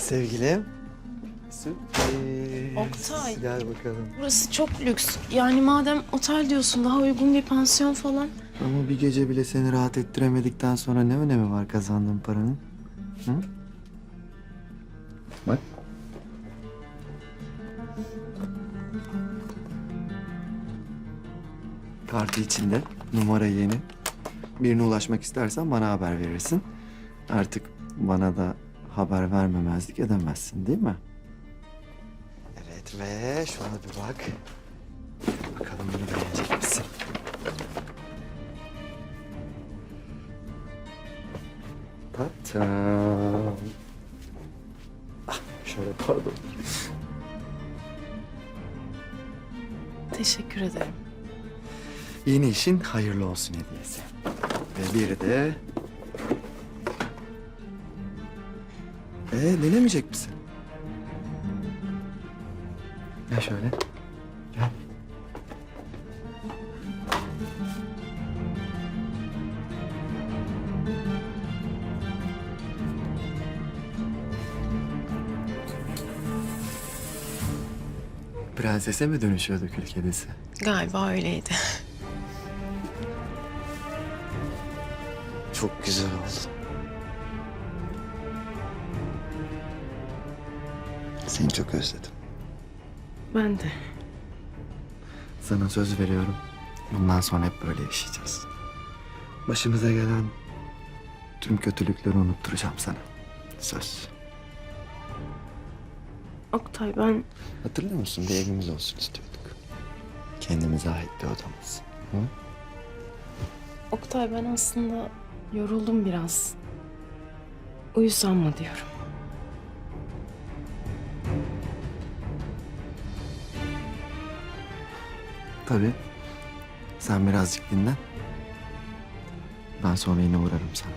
sevgilim. Sürpriz. Oktay. Gel bakalım. Burası çok lüks. Yani madem otel diyorsun daha uygun bir pansiyon falan. Ama bir gece bile seni rahat ettiremedikten sonra ne önemi var kazandığın paranın? Hı? Bak. Kartı içinde. Numara yeni. Birine ulaşmak istersen bana haber verirsin. Artık bana da haber vermemezlik edemezsin değil mi? Evet ve şuna bir bak. Bakalım bunu beğenecek misin? Tatam. Ah, şöyle pardon. Teşekkür ederim. Yeni işin hayırlı olsun hediyesi. Ve biri de... denemeyecek misin? Gel şöyle. Gel. Prensese mi dönüşüyordu kül kedisi? Galiba öyleydi. Çok güzel oldu. Seni çok özledim. Ben de. Sana söz veriyorum. Bundan sonra hep böyle yaşayacağız. Başımıza gelen tüm kötülükleri unutturacağım sana. Söz. Oktay ben... Hatırlıyor musun? Bir evimiz olsun istiyorduk. Kendimize ait bir odamız. Hı? Oktay ben aslında yoruldum biraz. Uyusam mı diyorum. Tabii. Sen birazcık dinlen. Ben sonra yine uğrarım sana.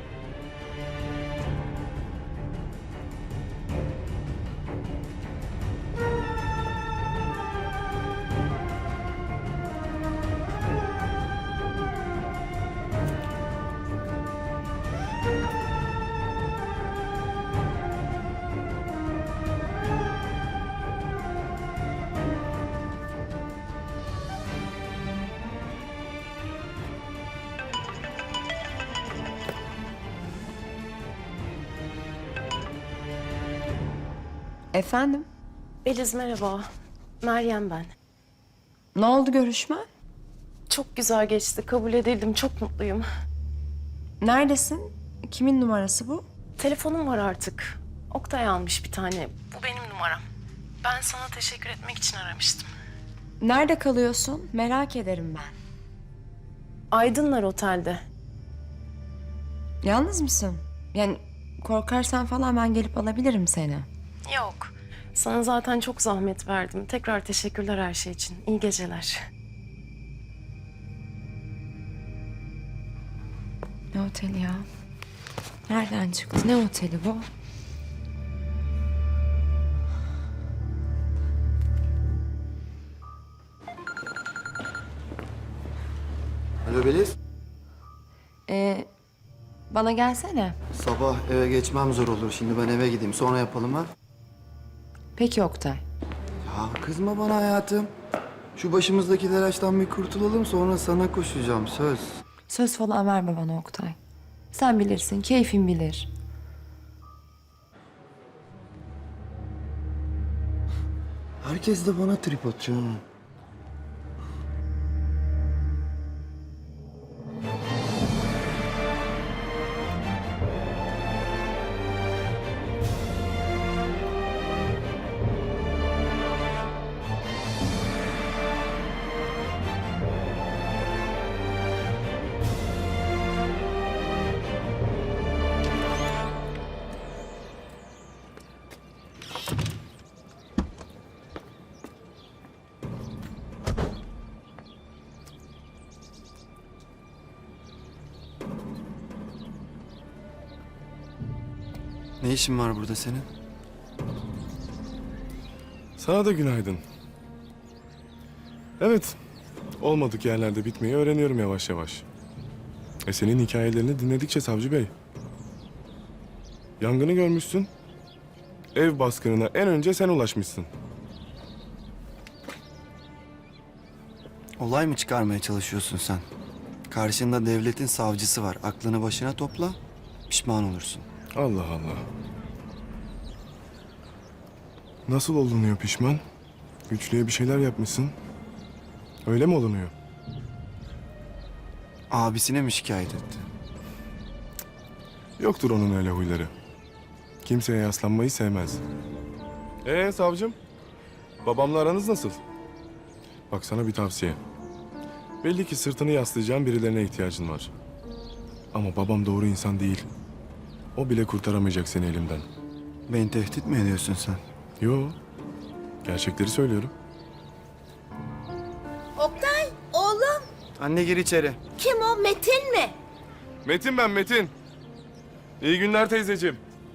Efendim? Beliz merhaba. Meryem ben. Ne oldu görüşme? Çok güzel geçti. Kabul edildim. Çok mutluyum. Neredesin? Kimin numarası bu? Telefonum var artık. Oktay almış bir tane. Bu benim numaram. Ben sana teşekkür etmek için aramıştım. Nerede kalıyorsun? Merak ederim ben. Aydınlar Otel'de. Yalnız mısın? Yani korkarsan falan ben gelip alabilirim seni. Yok. Sana zaten çok zahmet verdim. Tekrar teşekkürler her şey için. İyi geceler. Ne oteli ya? Nereden çıktı? Ne oteli bu? Alo Beliz. Bana gelsene. Sabah eve geçmem zor olur. Şimdi ben eve gideyim. Sonra yapalım ha. Peki Oktay. Ya kızma bana hayatım. Şu başımızdaki telaştan bir kurtulalım. Sonra sana koşacağım. Söz. Söz falan verme bana Oktay. Sen bilirsin, keyfin bilir. Herkes de bana trip atıyor. Ne işin var burada senin? Sana da günaydın. Evet, olmadık yerlerde bitmeyi öğreniyorum yavaş yavaş. Senin hikayelerini dinledikçe Savcı Bey. Yangını görmüşsün. Ev baskınına en önce sen ulaşmışsın. Olay mı çıkarmaya çalışıyorsun sen? Karşında devletin savcısı var. Aklını başına topla, pişman olursun. Allah Allah. Nasıl olunuyor pişman? Güçlüye bir şeyler yapmışsın. Öyle mi olunuyor? Abisine mi şikayet etti? Yoktur onun öyle huyları. Kimseye yaslanmayı sevmez. Savcım? Babamla aranız nasıl? Bak sana bir tavsiye. Belli ki sırtını yaslayacağın birilerine ihtiyacın var. Ama babam doğru insan değil. O bile kurtaramayacak seni elimden. Beni tehdit mi ediyorsun sen? Yo. Gerçekleri söylüyorum. Oktay, oğlum. Anne gir içeri. Kim o? Metin mi? Metin ben Metin. İyi günler teyzeciğim.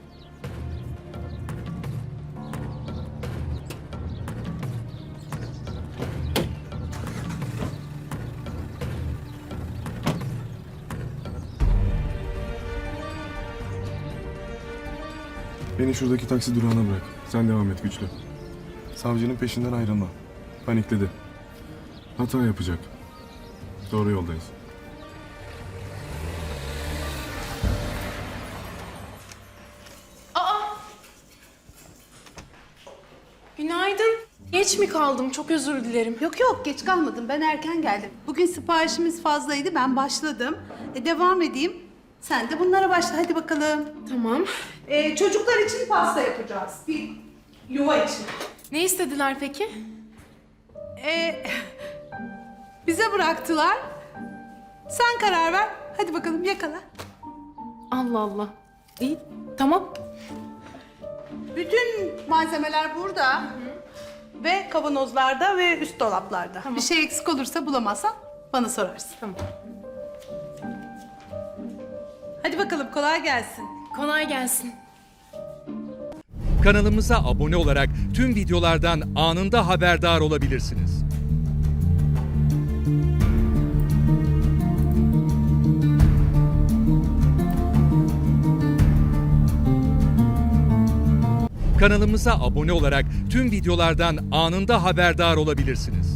Beni şuradaki taksi durağına bırak. Sen devam et Güçlü. Savcının peşinden ayrılma. Panikledi. Hata yapacak. Doğru yoldayız. Günaydın. Geç mi kaldım? Çok özür dilerim. Yok yok geç kalmadım, ben erken geldim. Bugün siparişimiz fazlaydı, ben başladım. Devam edeyim. Sen de bunlara başla, hadi bakalım. Tamam. Çocuklar için pasta yapacağız. Bir yuva için. Ne istediler peki? Bize bıraktılar. Sen karar ver. Hadi bakalım yakala. Allah Allah. İyi, tamam. Bütün malzemeler burada. Ve kavanozlarda ve üst dolaplarda. Bir şey eksik olursa bulamazsan bana sorarsın. Tamam. Hadi bakalım, kolay gelsin. Kolay gelsin. Kanalımıza abone olarak tüm videolardan anında haberdar olabilirsiniz. Kanalımıza abone olarak tüm videolardan anında haberdar olabilirsiniz.